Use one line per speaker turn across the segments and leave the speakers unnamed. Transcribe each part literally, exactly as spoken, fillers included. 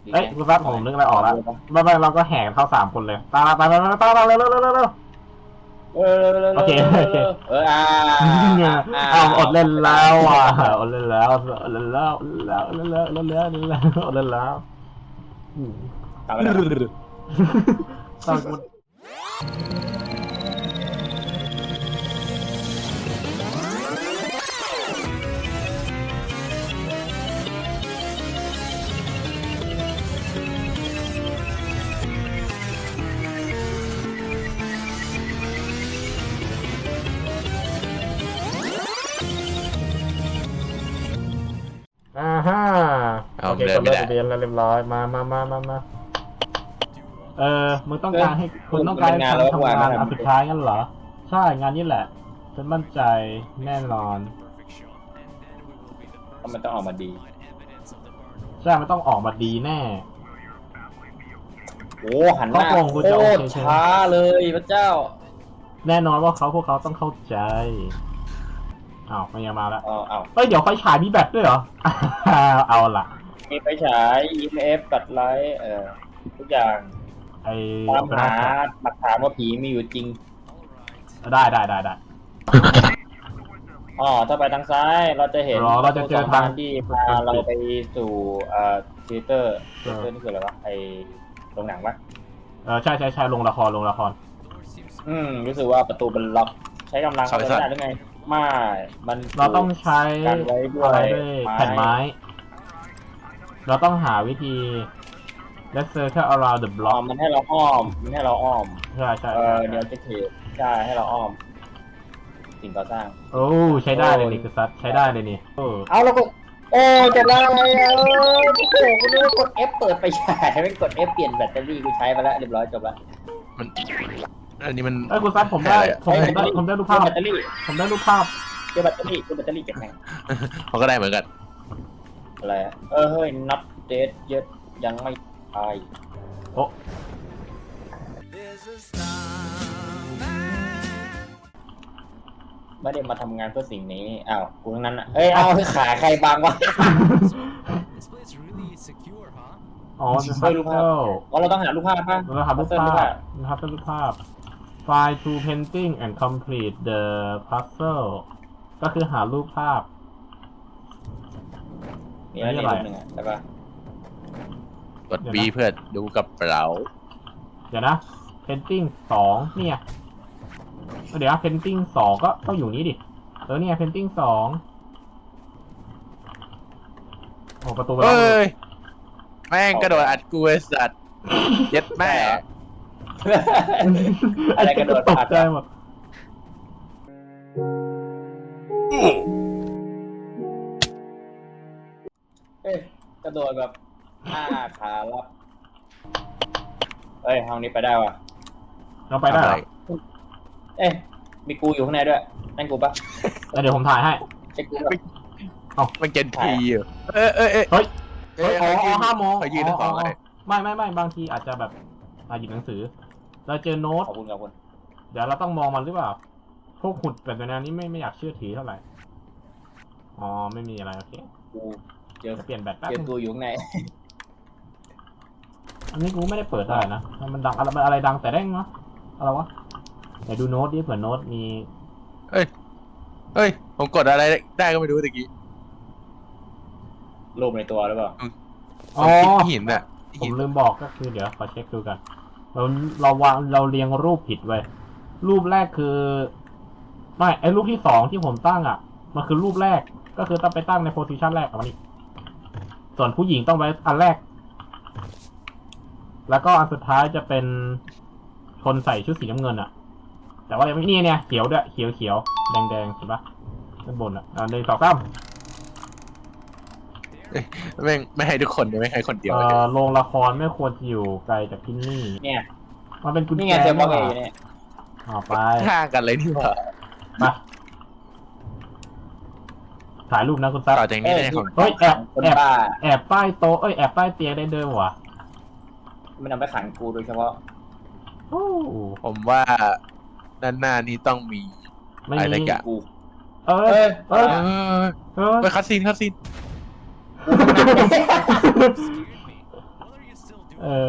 เอ้ยคุณซัดผมนึกอะไรออกแล้วไม่ไม่เราก็แห่เข้าสามคนเลยตาตาตาตาตาตาเร็วเร็วเร็วเร็วเร็ว
เออ
โอเคโอเค
เอออ่า
อ้าวอดเล่นแล้วอ่ะอดเล่นแล้วอดเล่นแล้วอดเล่นแล้วอดเล่นแล้วอดเล่นแล้วอดเล่นแล้วอดเล่นแล้ว
ทำอะไร
ตอนกูอ่าฮะโอเคกดเลิกเรียนแล้วเรียบร้อยมามามามามาเออมึงต้องการให้คุณต้องการทำทำงานอันสุดท้ายงั้นเหรอใช่งานนี้แหละฉันมั่นใจแน่นอน
เพราะมันต้องออกมาดี
ใช่มันต้องออกมาดีแน่
โอ้หันหน้าโคตรช้าเลยพระเจ้า
แน่นอนว่าเขาพวกเขาต้องเข้าใจอ้าวมันยังมาแล้ว
อ้าวอ้าว
เฮ้ยเดี๋ยวไฟฉายมีแบตด้วยเหรอเอาล่ะ
มีไฟฉาย อี เอ็ม เอฟ ตัดไลท์เอ่อทุกอย่าง
ไอ้
ตามหาหลักฐานว่าผีมีอยู่จริง
ได้ได้ได้ได้
อ๋อถ้าไปทางซ้ายเราจะเห็น
เราจะเจอทาง
ที่พาเราไปสู่เอ่อธีเตอร์ธีเตอร์นี่คืออะไรวะไอโรงหนังปะ
เออใช่ใช่ใช่ลงละครลงละคร
อืมรู้สึกว่าประตูมันล็อกใช้กำลังไม่ได้หรือไงไม่มัน
เราต้องใช้
อะไรด้วย
แผ่นไม้เราต้องหาวิธี let's circle around the block
มันให้เราอ้อมมันให้เราอ้อม
ใช่ใช่
เออเดี๋ยวจะเทใช่ให้เราอ้อมสิ่งก่อสร้าง
โอ้ใช้ได้เลยนี่คือซัดใช้ได้เลยนี่
เอาแล้วก็โอ้จะได้เออโอ้โหกูนึกว่ากด F เปิดไปใช้ไม่กด F เปลี่ยนแบตเตอรี่กูใช้ไปแล้วเรียบร้อยจบละ
มันอันนี้มัน
เอ้ยคุณซัดผมได้ผมได้ผมได้รูปภาพ
แบตเตอรี่
ผมได้รูปภาพ
เจอแบตเตอรี่เจอแบตเตอรี่เก็บไง
เขาก็ได้เหมือนกัน
อะไรเออเฮ้ยนับเดทเยอะยังไม่ตาย
โอ้
ไม่ได้มาทำงานเพื่อสิ่งนี้อ้าวกูทั้งนั้นอ่ะเอ้ยเอาขาใครบางวะ
อ๋อจะ
รูปภาพอ๋อเราต้องหารูปภาพป่ะ
เราหารูปภาพนะครับเป็นรูปภาพ File to painting and complete the puzzle ก็คือหารูปภาพ
นี่อะไรหนึ่งอ่ะใช่ป่ะ
กด B เพื่อดูกับเรา
เดี๋ยวนะ painting สองเนี่ยเดี๋ยวนะ painting สองก็ต้องอยู่นี้ดิเออเนี่ย painting สองโอ้ประตูไปแล้ว
แม่งกระโดดอัดกูไอ้สัตว์เย็ดแม่
อะไรกระโดด
ตกใจหมด
เอ้ยกระโดดแบบห้าขาลับเอ้ยห้องนี้ไปได้วะ
เราไปได้
เอ้ยมีกูอยู่ข้างในด้วยนั่นกูปะ
เดี๋ยวผมถ่ายให้
เช็คกู
เอามันเจนทีอยู่เอ้ยเอ้ยเอ้ย
เฮ้ยอ๋อห้ามอง
ไปยืนของ
ไม่ไม่ไม่บางทีอาจจะแบบหยิบหนังสือเราเจอโน้ต
ขอบคุณขอบคุณ
เดี๋ยวเราต้องมองมันหรือเปล่าพวกขุดแบบแนวนี้ไม่ไม่อยากเชื่อถือเท่าไหร่อ๋อไม่มีอะไรโอเค
กูเจอ
เปลี่ยนแบตแป๊บ
เจอกูอยู่ข้างใน
อันนี้กูไม่ได้เปิดได้นะมันดังอะไรอะไรดังแต่แร่งเนาะอะไรวะไหนดูโน้ตดิเผื่อโน้ตมี
เฮ้ยเฮ้ยผมกดอะไรได้ก็ไม่รู้ตะกี้
รูปในตัวหรือเปล่า
อ๋อ
หินอ่ะ
ผมลืมบอกก็คือเดี๋ยวขอเช็คดูกันเราเราวางเราเรียงรูปผิดไว้รูปแรกคือไม่ไอรูปที่สองที่ผมตั้งอ่ะมันคือรูปแรกก็คือต้องไปตั้งในโพสิชันแรกของมันนี่ส่วนผู้หญิงต้องไว้อันแรกแล้วก็อันสุดท้ายจะเป็นคนใส่ชุดสีน้ำเงินอ่ะแต่ว่ายังไม่นี่เนี่ยเขียวด้วยเขียวเขียวแดงแดงเห็นปะด้านบนอ่ะอ่าในสองซ้ำ
ไม่ไม่ให้ทุกคนไม่ให้คนเดียว
โรงละครไม่ควรจะอยู่ไกลจากที่นี่
เนี่ย
มันเป็นกุญแจ
เจอบ้างเลยเนี่ย
อ๋อไป
ห่างกันเลยที่ว่า
มาถ่ายรูปนะคุณซับ
ต่อจากนี้ได้ของ
เฮ้ยแอบแอบแอบใต้โต๊ะเอ้ยแอบใต้เตียงได้เดิมวะ
มันนำไปขังกูโดยเฉพาะ
ผมว่าด้านหน้านี้ต้องมีอะไรกัน
กู
เออเออเออ
ไปคัดซีนคัดซีน
เออ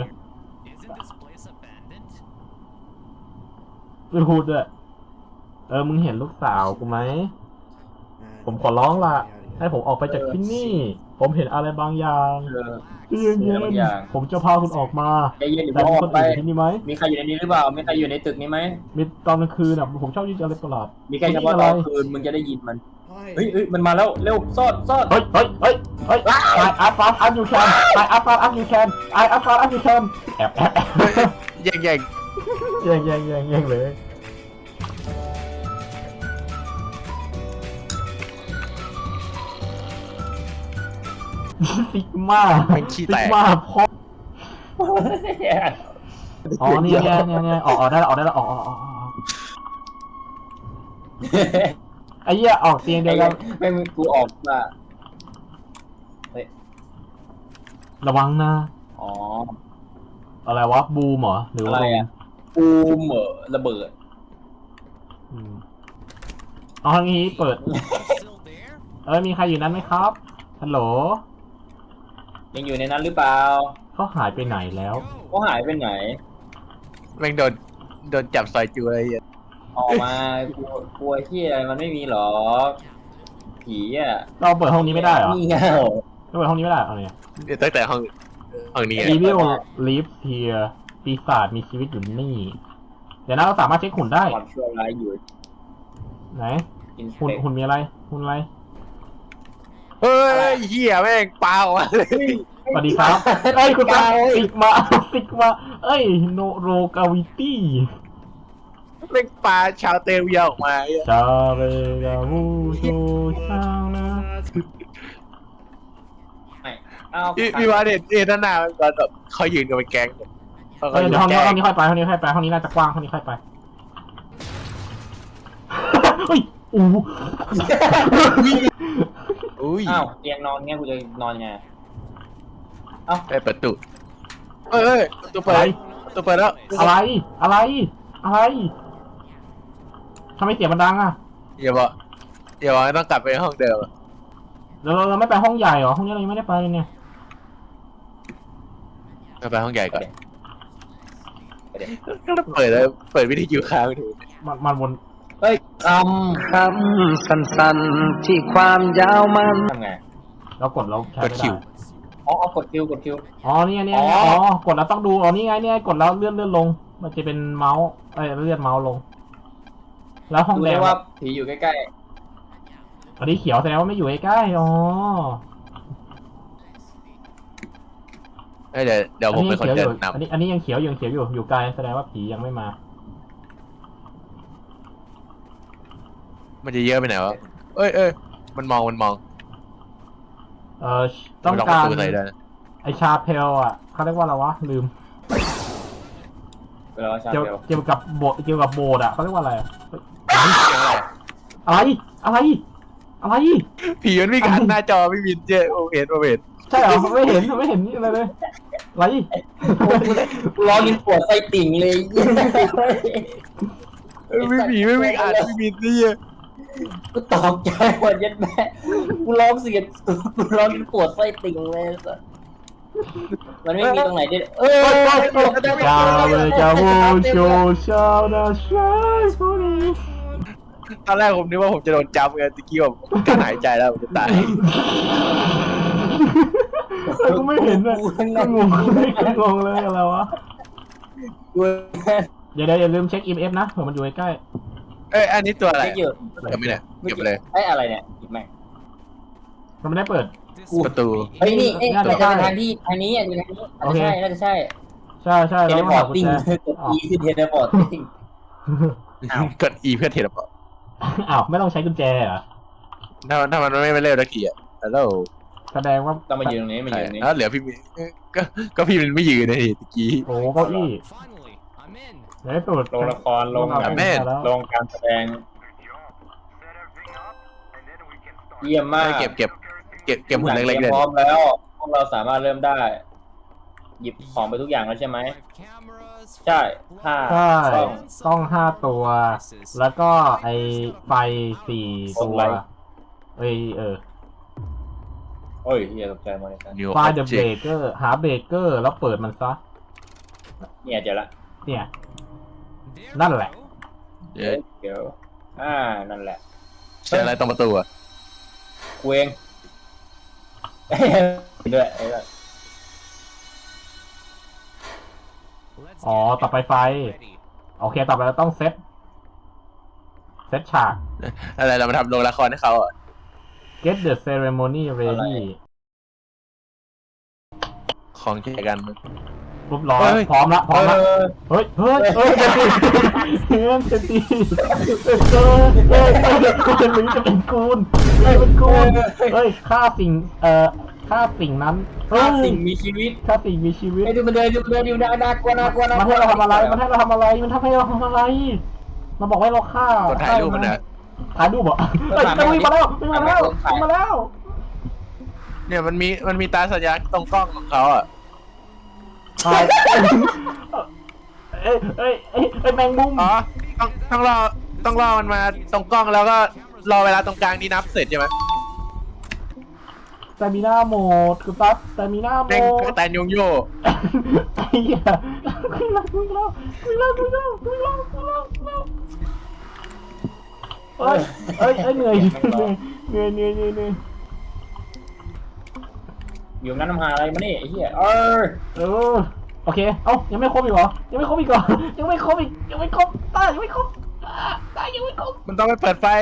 ไม่พูดด้วยเออมึงเห็นลูกสาวกูไหมผมขอร้องล่ะให้ผมออกไปจากที่นี่ ผมเห็นอะไรบางอย่าง
เออ
เย็นเย็นผมจะพาคุณออกมา
ใจเย็นอยู่
แต่
อ
มี
อก
คน
ไป
อื่นที่นี่ไหม
มีใครอยู่ในนี้หรือเปล่ามีใครอยู่ในตึกนี้ไหม
มีตอนกลางคืนอ่ะผมชอบยินอะไรประหลาด
มีใครเฉพาะตอนคืนมึงจะได้ยินมันเฮ้ยเฮ้ยมันมาแล้วเร็วซ่อนซ่อน
เฮ้ยเฮ้ยเฮ้ยเฮ้ย I I found as you can I I found as you can I I found as you can แอบแอบแอบ
แย่งแย่ง
แย่งแย่งแย่งแย่งเลยซิกมา
มันขี้
ซิ
แต
ก
ก
มาพออ๋อเนี่ยเนี่ยเนี่ยเนี่ยออกออกได้แล้วออกได้แล้วออกออกออกออกไอ้เหี้ยออกเตียงเดียวกัน
ไม่ไม่กูออกมา
ระวังนะ
อ๋อ
อะไรวะบูมเหรอหรือ
อะ
ว่า
ไรอ่ะปูมเหรอระเบิด
อืมเอาทางนี้เปิด เอ้ยมีใครอยู่นั้นไหมครับฮัลโหล
ยังอยู่ในนั้นหรือเปล่า
เขาหายไปไหนแล้ว
เขาหายไปไหน
แม่งโดนโดนจับซอยจูอะไรอย่างเงี้ย
ออกมากลัวกลัวที่อะไรมันไม่มีหรอกผีอ่ะ
เราเปิดห้องนี้ไม่ได้เหรอ
นี่เงา
เราเปิดห้องนี้ไม่ได้เอาเนี่ย
เดี๋ยวตั้งแต่ห้องห้องนี้อะ
Evil lives here ปีศาจมีชีวิตอยู่นี่ เดี๋ยวนะเราสามารถเช็คหุ่นได้
ความชั่วร้ายอยู่
ไหน
อินส
หุ่น
เปก
หุ่นมีอะไรหุ่นอะไร
เฮ้ยเหี้ยแม่งปาออกมาเลย
สวัสดีครับเอ้ยคุณตาซิกมาซิกมาเอ้ยโนโรกาวิตี้
แม่งปาชาวเตลเวียออกมาไอ้เหี้ย
ชาเรกาวูโชชาวนะ
ไม่เอา
พี่พี่ว่าเด็ดเอ็นหน้ามันตอนแบบเขายืนกันเป็นแก๊งเขา
เอ้ย
ยืน
เดี๋ยวห้องนี้
แก๊
ห้อง งนี้ค่อยไปห้องนี้ค่อยไปห้องนี้น่าจะกว้างห้องนี้ค่อยไปเฮ้ยอู้
อุ้ย
อ้าวเตียงนอนเงี้ยกูจะนอนยังไง
ได้ประตูเอ้ยเอ้ยประตูเปิ
อะไร
ดประตูเปิดแล้ว
อะไรอะไรอะไรทำไมเสียงมันดังอ่ะ
อย่าบอกอย่าบอกว่าต้องกลับไปห้องเดิมอะ
เราเราไม่ไปห้องใหญ่เหรอห้องนี้เรายังไม่ได้ไปเลยเนี่ย
กลับไปห้องใหญ่ก่อน
ไปเดี๋ยว
ก็เปิดแล้วเปิดวิทยุค้างไปดู
มันมันวน
เฮ้ยค
คำสั้นๆที่ความยาวมัน
ำทำไง
เรากดเราใช้
ก
ไม่
ด
ได้
คิว
อ๋อเอากดคิวกดคิว
อ๋อนี่ไงนี่ไง
อ๋อ
อ๋อกดแล้วต้องดูอ๋อนี่ไงนี่ไงกดแล้วเลื่อนเลื่อนลง มันจะเป็นเมาส์เอ้ยเลื่อนเมาส์ลง แล้วห้อง
ดู
แด
ได้
ง
ว่าผีอยู่ใกล้
อันนี้เขียวแสดงว่าไม่อยู่ใกล้ๆอ๋อ
เอ้ยเดี๋ยวเดี๋ยวผมเป็นคน
อั
เดิ
ยั
น
งเขียวอยู่อัน
นำ
นี้อันนี้ยังเขียวอยู่ยังเขียวอยู่อยู่ไกลแสดงว่าผียังไม่มา
มันจะเยอะไปไหนวะเอ้ยเอ้ยมันมองมันมอง
เอ่อต้อง
มันล็อกป
การ
ระตูใส่ได้นะ
ไอชาเพลอ่ะเขาเรียกว่าอะไรวะลืม
ๆเวลาชา
เกี่ยว
เดียว
เกี่ยวกับโบสถ์เกี่ยวกับโบสถ์อ่ะเขาเรียกว่าอะไรอะ
เสียงอะไร
อะไรอะไรอะไร
ผีมันวิ่งหันหน้าจอไม่มินเจ้โอเห็นโอเห็น
ใช่เหรอไม่เห็นไม่เห็นนี่อะไรเลยอะไร
กูร้องยินปวดไส้ติ่งเลย
เอ้ยไม่ผีไม่วิ่งอ่านไม่มินนี่
กูตกใจหมดยันแม่กูร้องเสียงกูร้องยินปวดไส้ติ่งเลยสัสมันไม่มีตรงไหนที่เออ
ชาเลยจะโวโชชาวนาชายผู้นี้
ตอนแรกผมนึกว่าผมจะโดนจับไงตะกี้ผมจะหายใจแล้วผมจะตาย
แต่กูไม่เห็นเลยงงงงเลยอะไรวะ
กู
เดี๋ยวเดี๋ยวอย่าลืมเช็ค อี เอ็ม เอฟ นะเผื่อมันอยู่ใกล้
เอ้ยอันนี้ตัวอะไร
ไม่เยอะ
เก็บไม่ได้เก็บไปเลย
ไอ้อะไรเนี่ยหยิบแม่ง
มันไม่ได้เปิด
ประตู
เฮ้ยนี่เอ้ย
น่าจะ
มันจะเป็น
ใช่
ทางที่ทางนี้อ่ะเป็นทางนี้
โอเค
น่าจะใช่
ใช่ใช่
น่าจะใช่เท
แล้
เล
ว
พ
มา
อ
หา
ร์ต
กุญ
ติ้ง
แจ
กด E คือเทเลพอร์ตติ้ง อ้าว
กด E เพื่อเทเลพอร์ต
อ้าวไม่ต้องใช้กุญแจเหรอ
ถ้าถ้ามันไม่ไม่เร็วตะกี้อ่ะแล้ว
แสดงว่า
ต้องมายืนตรงนี้มายืนตรงนี้
แล้วเหลือพี่มินก็ก็พี่มินไม่ยืนเลยตะกี้
โอ้เก้าอี้ในที่สุด
ลงละครลง
เอา
แบบ
ไปแล้ว
ลงการแสดงเยี่ยมมาก
เก็บเก็บเก็บเก็บหุ่นเล็กๆ
เล
เลย ย
พร้อมแล้วพวกเราสามารถเริ่มได้ หยิบของไปทุกอย่างแล้วใช่ไหมใช่ห้า
ใช่
กล้อง
กล้องห้าตัว แล้วก็ไอไฟสี่ตัว
โคมไฟ
เอ้ยเออ
โอ้ยเฮียตกใจหมดเลยครับ
New
ไฟล์เดอะเบร
object
กเกอร์หาเบรกเกอร์แล้วเปิดมันซะ
เนี่ยเจอละ
เนี่ย นั่นแหละ
เย้
เดี๋ยวอ่านั่นแหละ
ใช่อะไรตรงประตูอ่ะ
กูเองด้วยไอ้แบบ
อ๋อ ต่อไปไฟ โอเค ต่อไปเราต้องเซต เซตฉาก
อะไรเรามาทำโรงละครให้เขาอ่ะ
get the ceremony ready
ของแจกัน
รูปร้อย
เฮ้ย
พร้อมละ พร้อมละ
เออ
เฮ้ย เฮ้ย เฮ้ยจะตีเฮ้ยจะตีเฮ้ยเฮ้ยเฮ้ยจะหรือจะเป็นกูนเฮ้ยเป็นกูนเฮ้ยฆ่าสิ่ง เอ่อฆ่าสิ่งนั้นเฮ้ย
ฆ่าสิ่งมีชีวิต
ฆ่าสิ่งมีชีวิต
ไอ้ดูมันเดินดูมันเดินดูน่าน่ากลัวน่ากลัวน่ากลัว
มันให้เราทำอะไร มันให้เราทำอะไร มันทำให้เราทำอะไร มันบอกให้เราฆ่าก
ดถ่ายรูปมันอ่ะ
ถ่ายรูปเหรอเฮ้ยจะวิ่งมาแล้ววิ่งมาแล้ววิ่งมาแล้ว
เนี่ยมันมีมันมีตาสัญญาณตรงกล้องของเขาอ่ะ
ถ่ายเอ้ยเอ้ยเอ้ยเอ้ยแมงมุม
อ๋อต้องต้องรอต้องรอมันมาตรงกล้องแล้วก็รอเวลาตรงกลางนี้นับเสร็จใช่ไหม
แต่มีหน้าโหมดคือปั๊บแต่มีหน้าโหม
เด้ง
ด
กระแตนยงโย
ไอ้เหี้ยคุยแล้วคุยแล้วคุยแล้วคุยแล้วคุยแล้วคุยแล้วคุยแล้วเอ้ยเอ้ยเอ้ยเหนื่อยเหนื่อยเหนื่อยเหนื่อยเหนื่อย
อยู่นั้นทำหาอะไรมานี่ไอ้เหี้ยเออ
เออโอเคเอ้ายังไม่ครบอีกเหรอยังไม่ครบอีกเหรอยังไม่ครบอีกยังไม่ครบตายยังไม่ครบตายยังไม่ครบ
มันต้องไปเปิดไฟ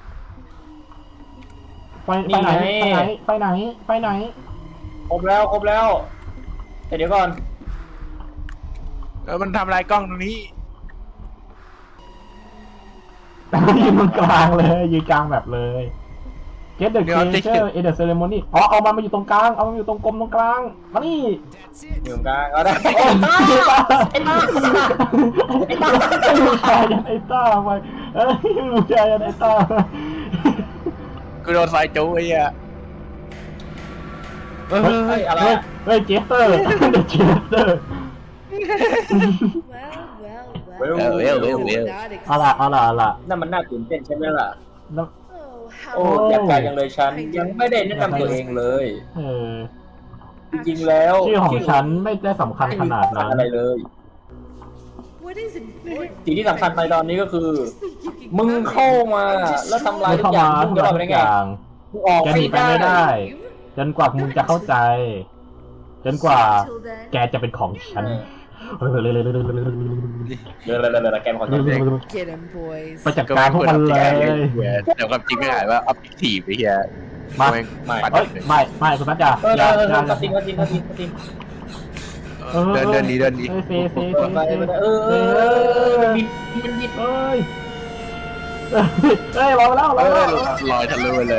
ไปไปไหนไปไหนไปไหนไปไหน
ครบแล้วครบแล้วแต่เดี๋ยวก่อน
เออมันทำลายกล้องตรงนี้
ยืนตรงกลางเลยยืนกลางแบบเลย Get the creature in the ceremony อ๋อเอามันมาอยู่ตรงกลางเอามันอยู่ตรงกลมตรงกลางมานี่
อยู่กลางเอาได้
ไอ้ต้าไอ้ต้าไอ้ต้าลูกชายยันไอ้ต้าไปเอ้ยลูกชายยันไอ้ต้า
กูโดนไฟจู้ไอ้เหี้ยเออ
เฮ้ยอะไร
เฮ้ย
อะ
เฮ้ยเจสเตอร์เดอะเจสเตอร์
Well, well, well.
เวลเวลเวล
Not
เอาล่ะเอาล่ะเอาล่ะ
นั่นมันน่าตื่นเต้นใช่ไหมล่ะ
แล้ว
Oh,
โอ้
how
อยากกายยังเลยฉันยังไม่ได้แนะนำตัวเองเลย
เออ
จริงๆแล้ว
ชื่อของฉันไม่ได้สำคัญขนาดนั้น
อะไรเลย
what is important?
สิ่งที่สำคัญในตอนนี้ก็คือ
Just think you can
มึง
come
เข้า
in
มา
and
แล้ว
just
ทำลาย
ไม่
ทุก
เข้า
อย่าง
มา
มึง
ทุ
จะ
ก
รอดไปได้
อ
ไง
ย่าง
มึงออก
จะห
ไม่
นีไป
ได้
ไม่ได้ จนกว่ามึงจะเข้าใจ จนกว่า
Till then,
แกจะเป็นของฉัน
เออเดี๋ยวๆๆๆแกมขอโทษ
get 'em, boys.
ไปจัดการพวกมันเลย
แต่ความจริงไม่หายว่า objective ไอ้เหี้ย
มา
แงปัด
เอ้ยไม่ไม่คุณพัชจ่า
เออ
อย่า
เออ
อย่า
ก็จริงก็จริงก็จริงก็จริง
เดินเดินดีเดินดี
เซเซเซ
ไปไปไปเออเออเออมันบิดมันบิด
เอ้ยเอ้ยรอแล้วร
เอ
อ
อ
แล้ว
ลอยทะลุไปเลย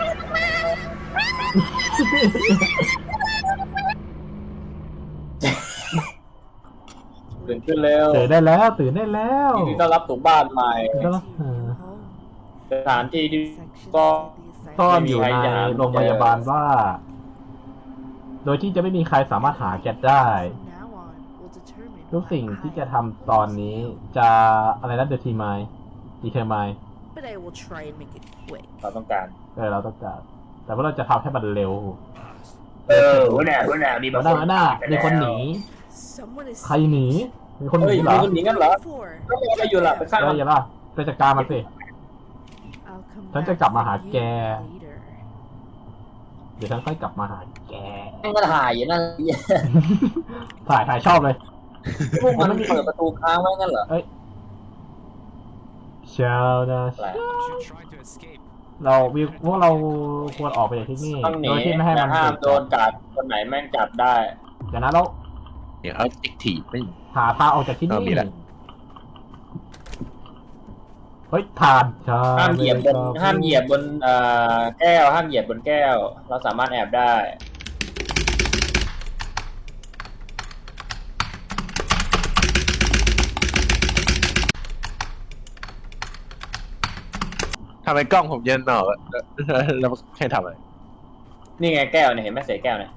ตื่นขึ้นแล้ว
ตื่นได้แล้วตื่นได้แล้ว
ยินดีต้อนรับสู่บ้านใหม่
ตื่นได้แล้วเออ
สถานที่ที่
Sections
ก็
of the
ซ่อน
assignment.
อยู่ในโรงพยาบาลว่า โดยที่จะไม่มีใครสามารถหาแกได้
From now on, we'll determine
ทุกสิ่ง
what
ที่จะ
I
ทำตอนนี้จะอะไรนะเดอะทีมายดีเทอร์มาย
But I will try and make it quick.
เราต้องการ
เออเราต้องการแต่ว่าเราจะทำให้มันเร็ว
เออหัวหน้าหัวหน้ามี
หัวหน้าหัวหน้ามีคนหนี
Someone is
ใครหนีมีคนห
เฮ้ย
นีเหร
มี
อ
คนหนีกันเหรอ
for.
ก็รออะไรอยู่ล่ะไปฆ่า
เอ
มั
อน อย่าล่ะไปจัดการมันสิ
I'll come
ฉันจะ
back
กลับมาหา
for you
แก
later.
เดี๋ยวฉันค่อยกลับมาหาแก
แม่งก็ถ่ายอยู่นั่น
ถ่ายถ่ายชอบเลย
พวกมันเปิดประตูค้างไว้งั้นเหรอ
เช้านะ
อะไร
เราวิวพวกเราควรออกไปจากที่นี่
ต้องหนี
โดยที่ไม่ให้
และ
มัน
ห้าม
ถูก
โดนจับคนไหนแม่งจับได้
เดี๋ยวนะเรา
เดี๋ยว objective ไม่
หาทางออกจากที่
เอ
นี่
อมีแล้ว
เฮ้ยทานใช่
ห้ามเหยียบบนห้ามเหยียบบนเอ่อแก้วห้ามเหยียบบนแก้ว เราสามารถแอบได้
ทำไมกล้องผมเย็นหนอแล้วให้ทำอะไร
นี่ไงแก้วเนี่ยเห็นไหมเศษแก้วเนี่ย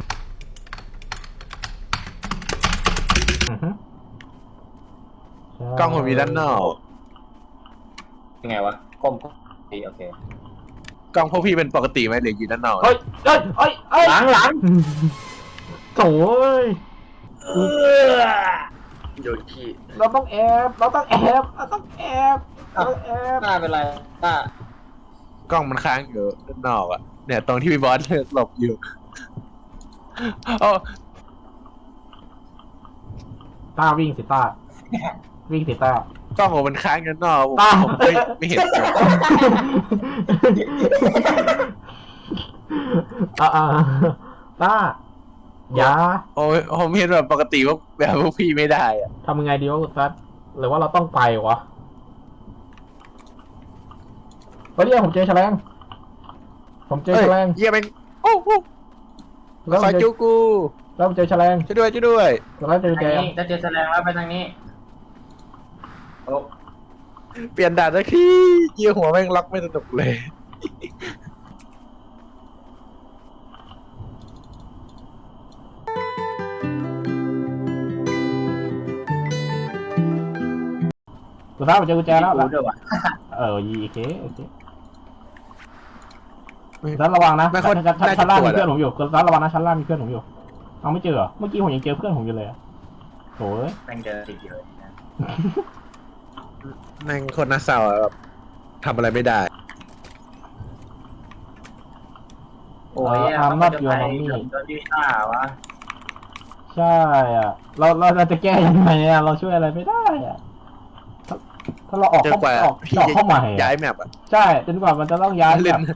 อือฮึใช่
กล้องผมมีด้านนอก
ยังไงวะก้มดีโอเค
กล้องพวกพี่เป็นปกติไหมหรืออยู่ด้านนอก
เฮ้ยเฮ้ยเฮ้ยเฮ้ย
หลังหลัง
โถ่เอ้ย
เออ
โยนขี้
เราต้องแอบเราต้องแอบเราต้องแอบเราต้องแอบ
หน้าเป็นไรหน้าก
ล้องมันค้างอยู่ด้านนอกอ่ะเนี่ยตรงที่พี่บอสหลบอยู่โอ้
ต้าวิ่งสิต้าวิ่งสิต้าก
ล้องผมมันค้างอยู่ด้านนอกผม
ต้า
ผมไม่ไม่เห็น
อ่าอ่าต้าอย่า
โอ้ยผมเห็นแบบปกติว่าแบบพวกพี่ไม่ได้อ่ะ
ทำยังไงดีวะคุณซัดหรือว่าเราต้องไปวะเฮ้ยเนี่ยผมเจอแฉลงผมเจอแฉลง
เยี่ยมเองโอ้โห
แล้วผ
คอ
ม
ย
เจ
จู
อ
กู
แล้วผมเจอแฉลง
ช่วยด้วยช่วยด้วย
แล้วเจอ
ทาง
แก
นี้จะเจอแสดงแล้วไปทางนี้โอ้
เปลี่ยนด่านสักทีเยี่ยหัวแม่งล็อกไม่สนุกเลย
คุณซัดผมเจอกุญแจแล้ว
รู้ด้วยว่ะ
เออยีโอเคโอเคซัดระวังนะ
ไม่ค่อย
ชั้นชั้นชั้นล่างมี
น่าจะปวดอะ
เพื่อนผมอยู่คุณซัดระวังนะชั้นล่างมีเพื่อนผมอยู่เอาไม่เจอเหรอเมื่อกี้ผมยังเจอเพื่อนผมอยู่เลยอะโถ่เอ้ย
แม่งเดินติดอยู่เลยนะ
แม่งโคนน่าเศร้าอะแบบทำอะไรไม่ได้
โอ้ย
อ่า
ต้อง
not
จะ
your
ไป
mommy
โดนที่หน้าวะ
ใช่อ่ะ เราเราเราจะแก้ยังไงอ่ะเราช่วยอะไรไม่ได้อ่ะถ้าถ้าเราออก
จน
เข้าก
ว่า
ออก
พี่
ออก
จะ
เข้าใหม่
ย้า
อะ
ยแมปอ่ะ
ใช่จนกว่ามันจะต้องย้าย
เล่
แบ
น
บ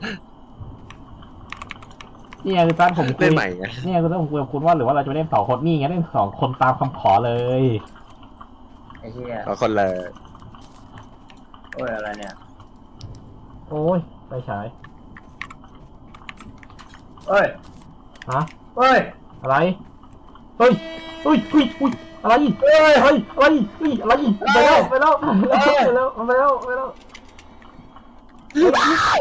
นี่ไงคือท่านผมคุ
เล่
ย
นใหม่ไง
นี่ไงคือท่านผมคุยกับคุณว่าหรือว่าเราจะเล่นสองคนนี่ไงเล่นสองคนตามคำขอเลย
ไอ้เหี้ย
ขอคนละ
โอ้ยอะไรเนี่ย
โอ้ยไปฉาย
เอ้ย
ฮะ
เอ้ย
อะไรเฮ้ยเฮ้ยเฮ้ยเฮ้ยอะไรเฮ้ยเฮ้ยอะไรเฮ้ยอะไรไปแล้วไปแล้วไปแล้วไปแล้วไปแล้วเฮ้ย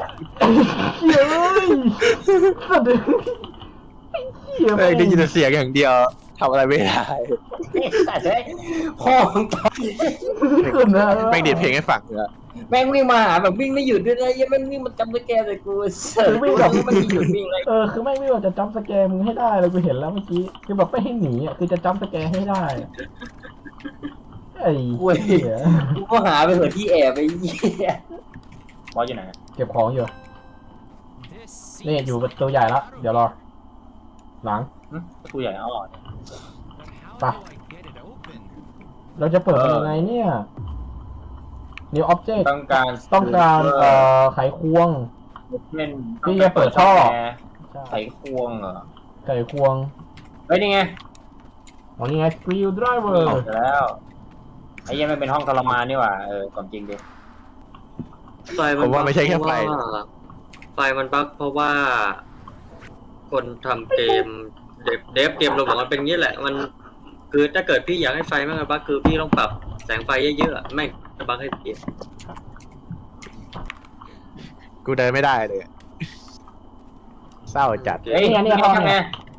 สัตว์เลยเหี้ย
เอ้ยได้ยินแต่เสียงอย่างเดียวทำอะไรไม่ได้
แต่เฮ้ยพ่อมึงตาย
ขึ้นนะ
แม่งเด็ดเพลงให้ฟังเลย
แม่งวิ่งมาหาแบบวิ่งไม่หยุดด้วยนะยังแม่งวิ่งมันจำสแกนเลยกูเสิร์ฟวิ่งแบบไม่หยุดวิ่งเลย
เออคือไม่ไม่ว่าจะจัมป์สแกร์มึงให้ได้เลยกูเห็นแล้วเมื่อกี้คือแบบไม่ให้หนีอ่ะคือจะจัมป์สแกร์ให้ได้อะไอ้เหี้ย
กูก็หาไปเถอะที่แอบไปเหี้ยบอสอยู่ไหน
เก็บของอยู่นี่อยู่ประตูใหญ่ละเดี๋ยวรอหลัง
ประตูใหญ่อ๋อ
ไปเราจะเปิดเป็นยังไงเนี่ย new object
ต้องการ
ต้องการเอ่อไขควง
เล่น
ที่จะเปิดท่อ
ไขควงเหรอ
ไขควง
เฮ้ยนี่ไง
อ๋อนี่ไง screw driver
ออกแล้วไอ้ยังไม่เป็นห้องทรมานนี่หว่าเออความจริงดิ
ไฟ
ผ
มัน
มว่าไม่ใช่แค่ไฟ
เพราะว่าไฟมันบั๊กเพราะว่า คนทำเกมเดฟเดฟเกมลงบอกมันเป็นงี้แหละ มันคือถ้าเกิดพี่อยากให้ไฟมันบั๊กคือพี่ต้องปรับแสงไฟเยอะๆอะไม่งจะบั๊กให้เสีย
กูเดินไม่ได้เลยอะเศร้าจัด
เฮ้ยนี่ห้องไง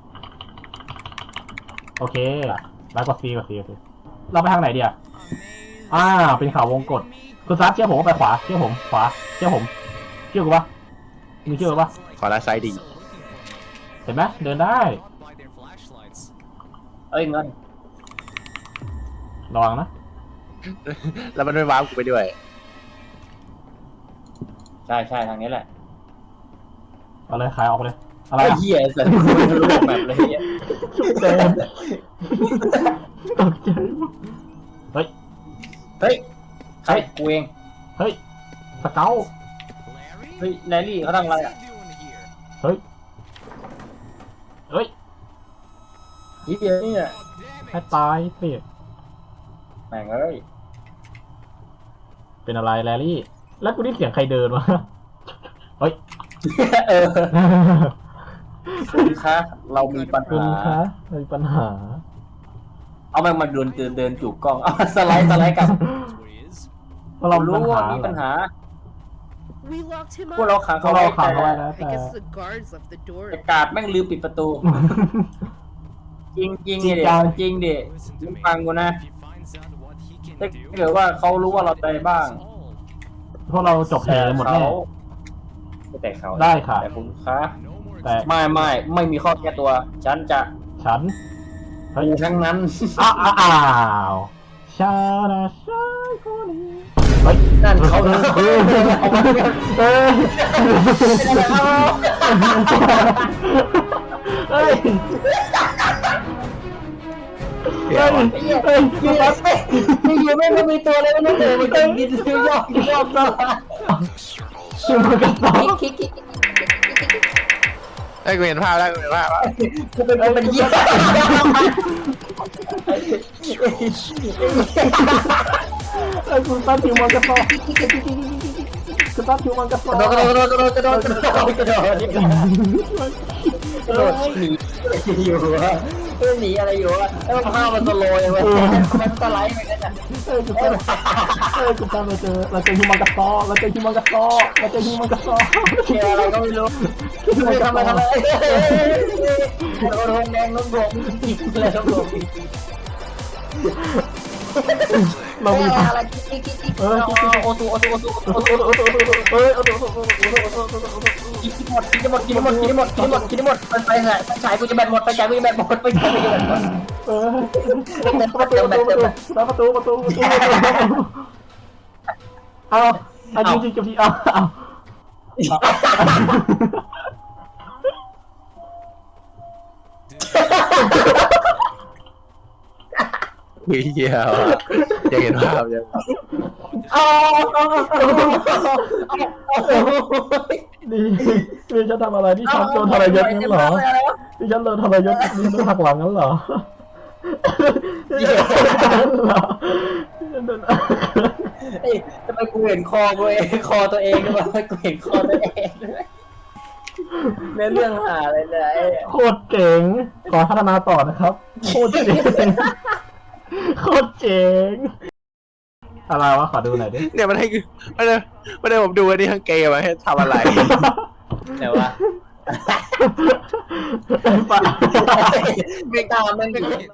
โอเคแล้วกด C กด C กด C เราไปทางไหนดีอ่ะอ่าเป็นเขาวงกดคุณซับเชื่อผมว่าไปขวาเชื่อผมขวาเชื่อผมเชื่อกูปะมีเชื่อกูปะ
ขอละไซด์ดี
เห็นไหมเดินได้
เอ้ยเงิน
ระวังนะ
แล้วมันไม่ว้าวกูไปด้วย
ใช่ใช่ทางนี้แหละ
เอาเลยขายออกเลยอะไร
ไอ้
อ่ะ
เหี้ยสัตว์กูไม่รู้แบบเลยเหี้ย
เดินตกใจเฮ้ย
เฮ้ยใครกูเอง
เฮ้ยสเกล
เฮ้ยแลลี่เขาทำอะไรอ่ะ
เฮ้ยเฮ้ย
ทีเดียวนี่แหละ
ให้ตายสิ
แม่งเอ้ย
เป็นอะไรแลลี่แล้วกูได้เสียงใครเดินวะเฮ้ย
เออคุณคะเรามีปัญ
คุณ
หา
คะมีปัญหา
เอาแม่งมาเดินเดินเดินจูบกล้องเอาสไลด์สไลด์กลับ
เพราะเรามี
รู้
ปัญ
ว่า
หา
มีปัญหา
We locked him
พวกเรา
up.
ขัง
เพราะ
เขา
เรา
ไว้
ขังเขาไว้
แต่
แล้ว
I
แต่
guess the guards left the door.
แต่กาดแม่งลืมปิดประตู จริงจริง
จริง
ดิ
จัง
จริงดิมึงฟังกูนะถ้าเกิดว่าเขารู้ว่าเราใจบ้าง
พวกเราจบแผลหมดแน่
เขาไม่แตกเขา
ได้ค่ะ
แต่คุณคะ
แต่
ไม่ไม่ไม่มีข้อแก้ตัว ฉันจะ
ฉัน
กูทั้งนั้น
อ้าวอ้าวชาดาชาคนนี้เฮ้ย
นั่นเขา
เอ
นะ
อเออเออเฮ้ยเฮ้ยเฮ้ย
อยู่แล้วไม่อยู่ไม่ไม่มีตัวเลยไม่เลยมันจะบินยอกยอกยอก
ชื่อมันกระสอบ
คิกคิก
ไอ้ยกูเห็นภาพแล้วกูเห็นภาพแล้ว
กูเป็นกูเป็นเยี่ย
ไอ้คุณตั้งชื่อมันกระสอบคุณตั้งชื่อมันกระสอบ
กระโดดกระโดดกระโดดกระโดดกระโดดกระโดดกระโดดหนีอยู่วะหนีอะไรอยู่วะแล้วภาพมันสโลว์เลยมันสไลด์ไปกันอ่ะ
เอ้ยคุณตั้งเอ้ยคุณตั้งเราเจอเราเจอฮิมันกระสอบเราเจอฮิมันกระสอบเราเจอฮิมันกระสอบ
เกี่ยวอะไรก็ไม่รู้ไม่ทำอะไรทำอะไรโดนแดงล้มบวกอีกเลยล้มบวกอีก
เรามี
อะไรกิ๊กกิ๊กกิ๊กเออโอตูโอตูโอตูโอตูโอตูโอตู
เอ้ยเอาตัว
กินหมดกินหมดกินหมดกินหมดกินหมดกินหมดไปไปไหนไปฉายกูจะแบตหมดไปฉายกูจะแบตหมดไปฉายกูจะแบตหมด
เออประตูประตูประตูประตูประตูเอาอันจริงๆกับพี่เอาเอา
คุยเหี้ยวอะอยากเห็นภาพยัง
อ๋อ
นี่นี่ฉันทำอะไรนี่ฉันโดนทรยศงั้นเหรอนี่ฉันโดนทรยศนี่โดนหักหลังงั้นเหรอเหรอ
ทำไมกูเห็นคอกูเองคอตัวเองด้วยกูเห็นคอตัวเองด้วยเรื่องเรื่องหาอะไรเนี่ย
โคตรเจ๋งขอพัฒนาต่อนะครับโคตรเจ๋งโคตรเจ๋งอะไรวะขอดูหน่อยดิ
เนี่ยมันให้กูมันเลยมันเลยผมดูอันนี้ทั้งเกมมาให้ทำอะไร
เดี๋ยววะไม่ตามมัน